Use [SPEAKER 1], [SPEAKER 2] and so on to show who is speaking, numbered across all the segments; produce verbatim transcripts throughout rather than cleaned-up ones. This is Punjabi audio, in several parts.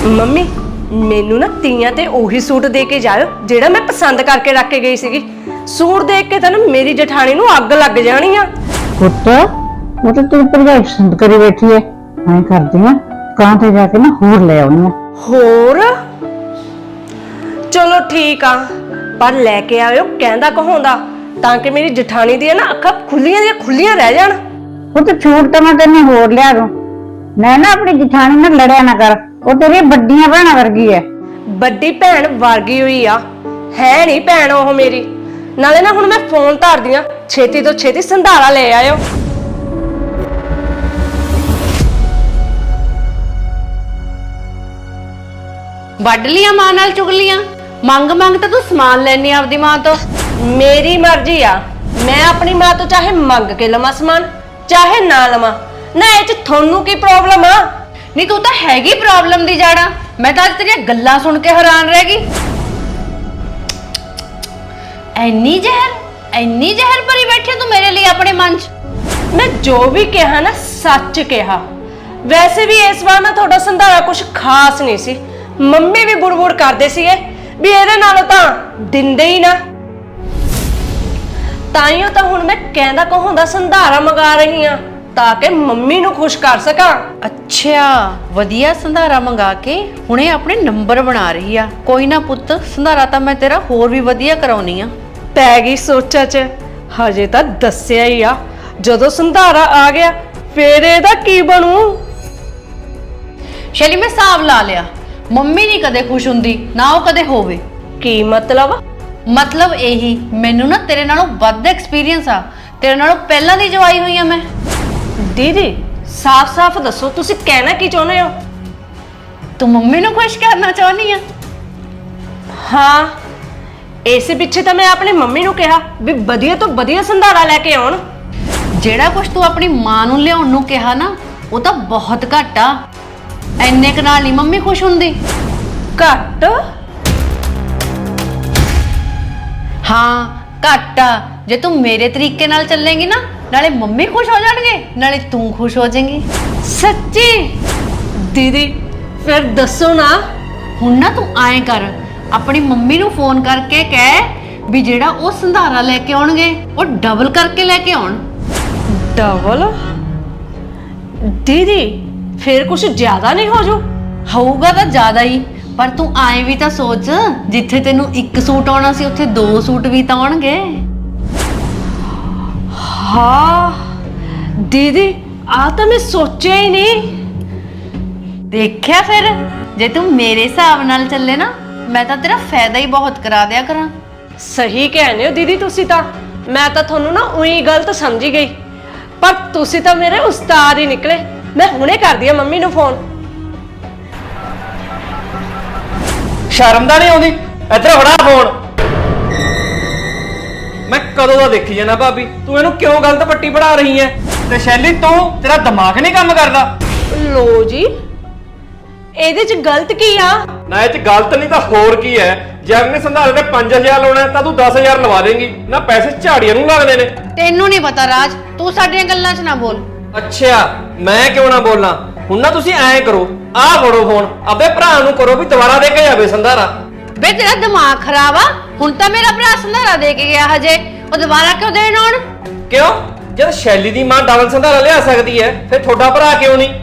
[SPEAKER 1] ਮੰਮੀ ਮੈਨੂੰ ਨਾ ਤੀਆਂ ਤੇ ਉਹੀ ਸੂਟ ਦੇ ਕੇ ਜਾਇਓ ਜਿਹੜਾ ਮੈਂ ਪਸੰਦ ਕਰਕੇ ਰੱਖ ਕੇ ਗਈ ਸੀਗੀ। ਸੂਟ ਦੇਖ ਕੇ ਤਾਂ ਨਾ ਮੇਰੀ ਜਠਾਣੀ ਨੂੰ ਅੱਗ ਲੱਗ ਜਾਣੀ ਆ।
[SPEAKER 2] ਪੁੱਤ ਉਹ ਤਾਂ ਤੇਰੀ ਭਰਜਾਈ ਪਸੰਦ ਕਰੀ ਬੈਠੀ ਐ, ਐਂ ਕਰਦੀ ਆ ਕਾਂ ਤੇ ਜਾ ਕੇ ਨਾ ਹੋਰ ਲੈ ਆਉਣੀ ਆ।
[SPEAKER 1] ਹੋਰ ਚਲੋ ਠੀਕ ਆ, ਪਰ ਲੈ ਕੇ ਆਇਓ ਕਹਿੰਦਾ ਕਹਾਉਂਦਾ, ਤਾਂ ਕਿ ਮੇਰੀ ਜਠਾਣੀ ਦੀਆਂ ਨਾ ਅੱਖਾਂ ਖੁੱਲੀਆਂ ਦੀਆਂ ਖੁੱਲੀਆਂ ਰਹਿ ਜਾਣ।
[SPEAKER 2] ਉਹ ਤਾਂ ਛੂਟ ਤਾਂ ਮੈਂ ਤੈਨੂੰ ਹੋਰ ਲਿਆ ਦੂੰ। ਮੈਂ ਨਾ ਆਪਣੀ ਜਠਾਣੀ ਨਾਲ ਲੜਿਆ ਨਾ ਕਰ, ਉਹ ਤੇਰੀ ਵੱਡੀਆਂ ਭੈਣਾਂ ਵਰਗੀ ਐ।
[SPEAKER 1] ਵੱਡੀ ਭੈਣ ਵਰਗੀ ਹੋਈ ਆ, ਹੈ ਨਹੀਂ ਭੈਣ ਉਹ ਮੇਰੀ। ਨਾਲੇ ਨਾ ਹੁਣ ਮੈਂ ਫੋਨ ਧਰਦੀ ਆ, ਛੇਤੀ ਤੋਂ ਛੇਤੀ ਸੰਧਾਰਾ ਲੈ ਆਇਓ।
[SPEAKER 3] ਵੱਢ ਲੀਆਂ ਮਾਂ ਨਾਲ ਚੁਗਲੀਆਂ, ਮੰਗ ਮੰਗ ਤਾਂ ਤੂੰ ਸਮਾਨ ਲੈਣੀ ਆਪਦੀ ਮਾਂ ਤੋਂ।
[SPEAKER 1] ਮੇਰੀ ਮਰਜ਼ੀ ਆ, ਮੈਂ ਆਪਣੀ ਮਾਂ ਤੋਂ ਚਾਹੇ ਮੰਗ ਕੇ ਲਵਾਂ ਸਮਾਨ ਚਾਹੇ ਨਾ ਲਵਾਂ। ਨਾ ਇਹ ਚ ਤੁਹਾਨੂੰ ਕੀ ਪ੍ਰੋਬਲਮ ਆ?
[SPEAKER 3] ਨਹੀਂ ਤੂੰ ਤਾਂ ਹੈਗੀ ਪ੍ਰੋਬਲਮ ਦੀ ਜੜਾ। ਮੈਂ ਤਾਂ ਅੱਜ ਤੇਰੀਆਂ ਗੱਲਾਂ ਸੁਣ ਕੇ ਹੈਰਾਨ ਰਹਿ ਗਈ। ਐਨੀ ਜ਼ਹਿਰ ਐਨੀ ਜ਼ਹਿਰ ਭਰੀ ਬੈਠੀ ਤੂੰ ਮੇਰੇ ਲਈ ਆਪਣੇ ਮਨ 'ਚ।
[SPEAKER 1] ਮੈਂ ਜੋ ਵੀ ਕਿਹਾ ਨਾ ਸੱਚ ਕਿਹਾ। ਵੈਸੇ ਵੀ ਇਸ ਵਾਰ ਨਾ ਤੁਹਾਡਾ ਸੰਧਾਰਾ ਕੁਝ ਖਾਸ ਨਹੀਂ ਸੀ। ਮੰਮੀ ਵੀ ਬੁੜਬੁੜ ਕਰਦੇ ਸੀਗੇ ਵੀ ਇਹਦੇ ਨਾਲੋਂ ਤਾਂ ਦਿੰਦੇ ਹੀ ਨਾ। ਤਾਈਓ ਤਾਂ ਹੁਣ ਮੈਂ ਕਹਿੰਦਾ ਕਹਾਉਂਦਾ ਸੰਧਾਰਾ ਮੰਗਾ ਰਹੀ ਆ, ਤਾਂ ਕਿ ਮੰਮੀ ਨੂੰ ਖੁਸ਼ ਕਰ ਸਕਾਂ।
[SPEAKER 3] ਅੱਛਾ, ਵਧੀਆ ਸੰਧਾਰਾ ਮੰਗਾ ਕੇ ਹੁਣੇ ਆਪਣੇ ਨੰਬਰ ਬਣਾ ਰਹੀ ਆ। ਕੋਈ ਨਾ ਪੁੱਤ, ਸੰਧਾਰਾ ਤਾਂ ਮੈਂ ਤੇਰਾ ਹੋਰ ਵੀ ਵਧੀਆ ਕਰਾਉਣੀ ਆ।
[SPEAKER 1] ਪੈ ਗਈ ਸੋਚਾਂ 'ਚ, ਹਜੇ ਤਾਂ ਦੱਸਿਆ ਹੀ ਆ। ਜਦੋਂ ਸੰਧਾਰਾ ਆ ਗਿਆ ਫੇਰ ਇਹਦਾ ਕੀ ਬਣੂ?
[SPEAKER 3] ਸ਼ੈਲੀ ਮੈਂ ਹਿਸਾਬ ਲਾ ਲਿਆ, ਮੰਮੀ ਨਹੀਂ ਕਦੇ ਖੁਸ਼ ਹੁੰਦੀ ਨਾ ਉਹ ਕਦੇ ਹੋਵੇ।
[SPEAKER 1] ਕੀ ਮਤਲਬ?
[SPEAKER 3] ਮਤਲਬ ਇਹੀ, ਮੈਨੂੰ ਨਾ ਤੇਰੇ ਨਾਲੋਂ ਵੱਧ ਐਕਸਪੀਰੀਅੰਸ ਆ। ਤੇਰੇ ਨਾਲੋਂ ਪਹਿਲਾਂ ਦੀ ਜਵਾਈ ਹੋਈ ਆ ਮੈਂ।
[SPEAKER 1] ਦੀਦੀ ਸਾਫ਼-ਸਾਫ਼ ਦੱਸੋ ਤੁਸੀਂ ਕਹਿਣਾ ਕੀ ਚਾਹੁੰਦੇ ਹੋ?
[SPEAKER 3] ਤੂੰ ਮੰਮੀ ਨੂੰ ਖੁਸ਼ ਕਰਨਾ ਚਾਹੁੰਦੀ ਆ?
[SPEAKER 1] ਹਾਂ, ਇਸੇ ਪਿੱਛੇ ਤਾਂ ਮੈਂ ਆਪਣੀ ਮੰਮੀ ਨੂੰ ਕਿਹਾ ਵੀ ਵਧੀਆ ਤੋਂ ਵਧੀਆ ਸੰਧਾਰਾ ਲੈ ਕੇ ਆਉਣ।
[SPEAKER 3] ਜਿਹੜਾ ਕੁਝ ਤੂੰ ਆਪਣੀ ਮਾਂ ਨੂੰ ਲਿਆਉਣ ਨੂੰ ਕਿਹਾ ਨਾ, ਉਹ ਤਾਂ ਬਹੁਤ ਘੱਟ ਆ। ਐਨੇ ਕੁ ਨਾਲ ਨਹੀਂ ਮੰਮੀ ਖੁਸ਼ ਹੁੰਦੀ।
[SPEAKER 1] ਘੱਟ?
[SPEAKER 3] ਹਾਂ ਘੱਟ ਆ। ਜੇ ਤੂੰ ਮੇਰੇ ਤਰੀਕੇ ਨਾਲ ਚੱਲੇਂਗੀ ਨਾ, ਨਾਲੇ ਮੰਮੀ ਖੁਸ਼ ਹੋ ਜਾਣਗੇ ਨਾਲੇ ਤੂੰ ਖੁਸ਼ ਹੋ ਜਾਏਂਗੀ।
[SPEAKER 1] ਸੱਚੀ? ਦੀਦੀ ਫਿਰ ਦੱਸੋ ਨਾ।
[SPEAKER 3] ਹੁਣ ਨਾ ਤੂੰ ਐਂ ਕਰ, ਆਪਣੀ ਮੰਮੀ ਨੂੰ ਫੋਨ ਕਰਕੇ ਕਹਿ ਵੀ ਜਿਹੜਾ ਉਹ ਸੰਧਾਰਾ ਲੈ ਕੇ ਆਉਣਗੇ ਉਹ ਡਬਲ ਕਰਕੇ ਲੈ ਕੇ ਆਉਣ।
[SPEAKER 1] ਡਬਲ? ਦੀਦੀ ਫਿਰ ਕੁਝ ਜ਼ਿਆਦਾ ਨਹੀਂ ਹੋ ਜੂ?
[SPEAKER 3] ਹੋਊਗਾ ਤਾਂ ਜ਼ਿਆਦਾ ਹੀ, ਪਰ ਤੂੰ ਐਂ ਵੀ ਤਾਂ ਸੋਚ, ਜਿੱਥੇ ਤੈਨੂੰ ਇੱਕ ਸੂਟ ਆਉਣਾ ਸੀ ਉੱਥੇ ਦੋ ਸੂਟ ਵੀ ਤਾਂ ਆਉਣਗੇ।
[SPEAKER 1] ਹਾਂ ਦੀਦੀ, ਆ ਤਾਂ ਮੈਂ ਸੋਚਿਆ ਹੀ ਨਹੀਂ।
[SPEAKER 3] ਦੇਖਿਆ ਫਿਰ, ਜੇ ਤੂੰ ਮੇਰੇ ਹਿਸਾਬ ਨਾਲ ਚੱਲੇ ਨਾ, ਮੈਂ ਤਾਂ ਤੇਰਾ ਫਾਇਦਾ ਹੀ ਬਹੁਤ ਕਰਾ ਦਿਆ ਕਰਾਂ।
[SPEAKER 1] ਸਹੀ ਕਹਿੰਦੇ ਹੋ ਦੀਦੀ ਤੁਸੀਂ ਤਾਂ। ਮੈਂ ਤਾਂ ਤੁਹਾਨੂੰ ਨਾ ਉਹੀ ਗਲਤ ਸਮਝੀ ਗਈ, ਪਰ ਤੁਸੀਂ ਤਾਂ ਮੇਰੇ ਉਸਤਾਦ ਹੀ ਨਿਕਲੇ। ਮੈਂ ਹੁਣੇ ਕਰਦੀ ਆ ਮੰਮੀ ਨੂੰ ਫੋਨ।
[SPEAKER 4] ਸ਼ਰਮ ਤਾਂ ਨਹੀਂ ਆਉਂਦੀ? ਇੱਧਰ ਫੜਾ ਫੋਨ। ਮੈਂ ਕਦੋਂ ਦਾ ਦੇਖੀ ਜਾਣਾ ਭਾਬੀ, ਤੂੰ ਇਹਨੂੰ ਕਿਉਂ ਗਲਤ ਪੱਟੀ ਪੜਾ ਰਹੀ ਐ? ਤੇ ਸ਼ੈਲੀ ਤੂੰ, ਤੇਰਾ ਦਿਮਾਗ ਨਹੀਂ ਕੰਮ ਕਰਦਾ?
[SPEAKER 1] ਲੋ ਜੀ, ਇਹਦੇ 'ਚ ਗਲਤ ਕੀ ਆ?
[SPEAKER 4] ਨਾ ਇਹ 'ਚ ਗਲਤ ਨਹੀਂ ਤਾਂ ਹੋਰ ਕੀ ਐ? ਜੇ ਅਗਲੇ ਸੰਧਾਰੇ ਤੇ ਪੰਜ ਹਜ਼ਾਰ ਲਾਉਣਾ ਤਾਂ ਤੂੰ ਦਸ ਹਜ਼ਾਰ ਲਵਾ ਦੇਂਗੀ ਨਾ। ਪੈਸੇ ਝਾੜੀਆਂ ਨੂੰ ਲੱਗਦੇ ਨੇ।
[SPEAKER 3] ਤੈਨੂੰ ਨਹੀਂ ਪਤਾ ਰਾਜ, ਤੂੰ ਸਾਡੀਆਂ ਗੱਲਾਂ 'ਚ ਨਾ ਬੋਲ।
[SPEAKER 4] ਅੱਛਾ, ਮੈਂ ਕਿਉਂ ਨਾ ਬੋਲਾਂ? ਹੁਣ ਨਾ ਤੁਸੀਂ ਐਂ ਕਰੋ, ਆਹ ਫੜੋ ਫੋਨ, ਆਪੇ ਭਰਾ ਨੂੰ ਕਰੋ ਵੀ ਦੁਬਾਰਾ ਦੇ ਕੇ ਜਾਵੇ ਸੰਧਾਰਾ।
[SPEAKER 3] ਬੇ ਤੇਰਾ ਦਿਮਾਗ ਖਰਾਬ ਆ? ਹੁਣ ਤਾਂ ਮੇਰਾ ਭਰਾ ਸੰਧਾਰਾ ਦੇ ਕੇ ਗਿਆ, ਹਜੇ ਉਹ ਦੁਬਾਰਾ ਕਿਉਂ ਦੇਣ ਆਉਣ?
[SPEAKER 4] ਕਿਉਂ? ਜਦ ਸ਼ੈਲੀ ਦੀ ਮਾਂ ਡਬਲ ਸੰਧਾਰਾ ਲਿਆ ਸਕਦੀ ਐ, ਫਿਰ ਤੁਹਾਡਾ ਭਰਾ ਕਿਉਂ ਨਹੀਂ?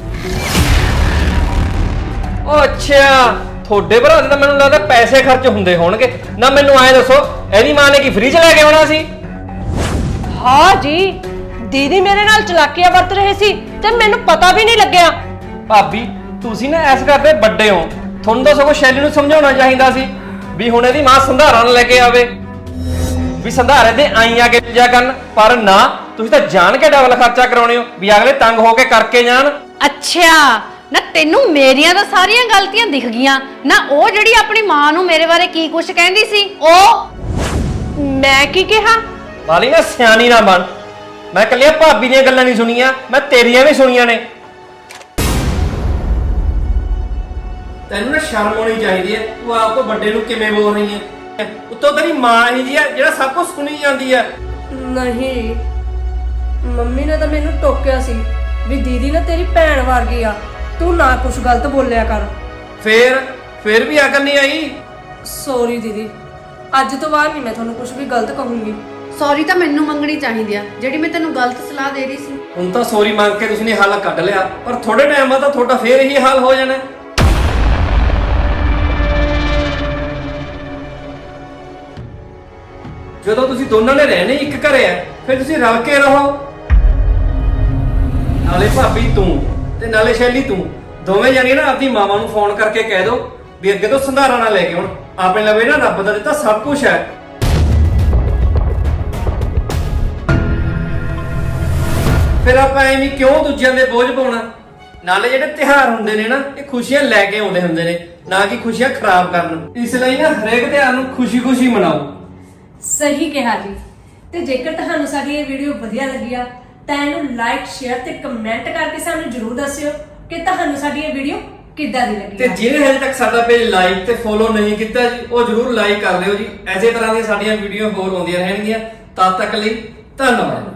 [SPEAKER 4] ਉਹ ਅੱਛਾ, ਤੁਹਾਡੇ ਭਰਾ ਦੇ ਤਾਂ ਮੈਨੂੰ ਲੱਗਦਾ ਪੈਸੇ ਖਰਚ ਹੁੰਦੇ ਹੋਣਗੇ ਨਾ। ਮੈਨੂੰ ਐਂ ਦੱਸੋ, ਇਹਦੀ ਮਾਂ ਨੇ ਕੀ ਫ੍ਰੀ ਚ ਲੈ ਕੇ ਆਉਣਾ ਸੀ?
[SPEAKER 1] ਹਾਂ ਜੀ, ਦੀਦੀ ਮੇਰੇ ਨਾਲ ਚਲਾਕੀਆਂ ਵਰਤ ਰਹੇ ਸੀ ਤੇ ਮੈਨੂੰ ਪਤਾ ਵੀ ਨਹੀਂ ਲੱਗਿਆ।
[SPEAKER 4] ਭਾਬੀ ਤੁਸੀਂ ਨਾ ਐਸ ਕਰਦੇ ਵੱਡੇ ਹੋ, ਤੁਹਾਨੂੰ ਤਾਂ ਸਗੋਂ ਸ਼ੈਲੀ ਨੂੰ ਸਮਝਾਉਣਾ ਚਾਹੀਦਾ ਸੀ ਵੀ ਹੁਣ ਇਹਦੀ ਮਾਂ ਸੰਧਾਰਾ ਨਾ ਲੈ ਕੇ ਆਵੇ, ਵੀ ਸੰਧਾਰੇ ਦੇ ਆਈ ਆ ਕੇ ਜਾ ਕਰਨ। ਪਰ ਨਾ, ਤੁਸੀਂ ਤਾਂ ਜਾਣ ਕੇ ਡਬਲ ਖਰਚਾ ਕਰਾਉਣੇ ਹੋ ਵੀ ਅਗਲੇ ਤੰਗ ਹੋ ਕੇ ਕਰਕੇ ਜਾਣ।
[SPEAKER 3] ਅੱਛਾ ਨਾ, ਤੈਨੂੰ ਮੇਰੀਆਂ ਤਾਂ ਸਾਰੀਆਂ ਗਲਤੀਆਂ ਦਿਖ ਗਈਆਂ ਨਾ। ਉਹ ਜਿਹੜੀ ਆਪਣੀ ਮਾਂ ਨੂੰ ਮੇਰੇ ਬਾਰੇ ਕੀ ਕੁਛ ਕਹਿੰਦੀ ਸੀ, ਉਹ
[SPEAKER 1] ਮੈਂ ਕੀ ਕਿਹਾ?
[SPEAKER 4] ਵਾਲੀ ਨਾ ਸਿਆਣੀ ਨਾ ਬਣ। ਮੈਂ ਕੱਲੀਆਂ ਭਾਬੀ ਦੀਆਂ ਗੱਲਾਂ ਨਹੀਂ ਸੁਣੀਆਂ, ਮੈਂ ਤੇਰੀਆਂ ਵੀ ਸੁਣੀਆਂ ਨੇ। ਤੈਨੂੰ ਨਾ ਸ਼ਰਮ ਆਉਣੀ ਚਾਹੀਦੀ ਹੈ। ਤੂੰ ਆਪ ਤੋਂ ਵੱਡੇ ਨੂੰ ਕਿਵੇਂ ਬੋਲ ਰਹੀ ਹੈ? ਉੱਤੋਂ ਤੇਰੀ ਮਾਂ ਹੀ ਜੀ ਹੈ ਜਿਹੜਾ ਸਭ ਕੁਝ ਸੁਣੀ ਜਾਂਦੀ ਹੈ।
[SPEAKER 1] ਨਹੀਂ, ਮੰਮੀ ਨੇ ਤਾਂ ਮੈਨੂੰ ਟੋਕਿਆ ਸੀ ਵੀ ਦੀਦੀ ਨਾ ਤੇਰੀ ਭੈਣ ਵਰਗੀ ਆ, ਤੂੰ ਨਾ ਕੁਝ ਗਲਤ ਬੋਲਿਆ ਕਰ।
[SPEAKER 4] ਫੇਰ ਫੇਰ ਵੀ ਅਕਲ ਨਹੀਂ ਆਈ।
[SPEAKER 1] ਸੌਰੀ ਦੀਦੀ, ਅੱਜ ਤੋਂ ਬਾਅਦ ਨਹੀਂ ਮੈਂ ਤੁਹਾਨੂੰ ਕੁਝ ਵੀ ਗਲਤ ਕਹੂੰਗੀ।
[SPEAKER 3] ਸੌਰੀ ਤਾਂ ਮੈਨੂੰ ਮੰਗਣੀ ਚਾਹੀਦੀ ਆ, ਜਿਹੜੀ ਮੈਂ ਤੈਨੂੰ ਗਲਤ ਸਲਾਹ ਦੇ ਰਹੀ ਸੀ।
[SPEAKER 4] ਹੁਣ ਤਾਂ ਸੌਰੀ ਮੰਗ ਕੇ ਤੁਸੀਂ ਨੇ ਹੱਲ ਕੱਢ ਲਿਆ, ਪਰ ਥੋੜੇ ਟਾਈਮ ਬਾਅਦ ਤਾਂ ਤੁਹਾਡਾ ਫੇਰ ਇਹੀ ਹਾਲ ਹੋ ਜਾਣਾ। ਜਦੋਂ ਤੁਸੀਂ ਦੋਨਾਂ ਨੇ ਰਹਿਣੇ ਇੱਕ ਘਰੇ ਆ, ਫਿਰ ਤੁਸੀਂ ਰਲ ਕੇ ਰਹੋ। ਨਾਲੇ ਭਾਬੀ ਤੂੰ ਤੇ ਨਾਲੇ ਸ਼ੈਲੀ ਤੂੰ ਦੋਵੇਂ ਜਾਣੀਆਂ ਨਾ ਆਪਣੀ ਮਾਵਾਂ ਨੂੰ ਫੋਨ ਕਰਕੇ ਕਹਿ ਦਿਓ ਵੀ ਅੱਗੇ ਤੋਂ ਸੰਧਾਰਾ ਨਾ ਲੈ ਕੇ ਹੁਣ, ਆਪਣੇ ਲਵੇ ਨਾ ਰੱਬ ਦਾ ਦਿੱਤਾ ਸਭ ਕੁਝ ਹੈ। ਫਿਰ ਆਪਾਂ ਐਵੇਂ ਕਿਉਂ ਦੂਜਿਆਂ ਦੇ ਬੋਝ ਪਾਉਣਾ? ਨਾਲੇ ਜਿਹੜੇ ਤਿਉਹਾਰ ਹੁੰਦੇ ਨੇ ਨਾ, ਇਹ ਖੁਸ਼ੀਆਂ ਲੈ ਕੇ ਆਉਂਦੇ ਹੁੰਦੇ ਨੇ, ਨਾ ਕਿ ਖੁਸ਼ੀਆਂ ਖਰਾਬ ਕਰਨ। ਇਸ ਲਈ ਨਾ ਹਰੇਕ ਤਿਉਹਾਰ ਨੂੰ ਖੁਸ਼ੀ-ਖੁਸ਼ੀ ਮਨਾਓ।
[SPEAKER 1] ਸਹੀ ਕਿਹਾ ਜੀ। ਤੇ ਜੇਕਰ ਤੁਹਾਨੂੰ ਸਾਡੀ ਇਹ ਵੀਡੀਓ ਵਧੀਆ ਲੱਗੀ ਆ ਤਾਂ ਇਹਨੂੰ ਲਾਈਕ, ਸ਼ੇਅਰ ਤੇ ਕਮੈਂਟ ਕਰਕੇ ਸਾਨੂੰ ਜਰੂਰ ਦੱਸਿਓ ਕਿ ਤੁਹਾਨੂੰ ਸਾਡੀ ਇਹ ਵੀਡੀਓ ਕਿੱਦਾਂ ਦੀ ਲੱਗੀ।
[SPEAKER 4] ਤੇ ਜਿਹਨੇ ਹਜੇ ਤੱਕ ਸਾਡਾ ਪੇਜ ਲਾਈਕ ਤੇ ਫੋਲੋ ਨਹੀਂ ਕੀਤਾ ਜੀ, ਉਹ ਜਰੂਰ ਲਾਈਕ ਕਰ ਲਿਓ ਜੀ। ਐਸੇ ਤਰ੍ਹਾਂ ਦੀਆਂ ਸਾਡੀਆਂ ਵੀਡੀਓ ਹੋਰ ਆਉਂਦੀਆਂ ਰਹਿਣਗੀਆਂ। ਤਦ ਤੱਕ ਲਈ ਧੰਨਵਾਦ।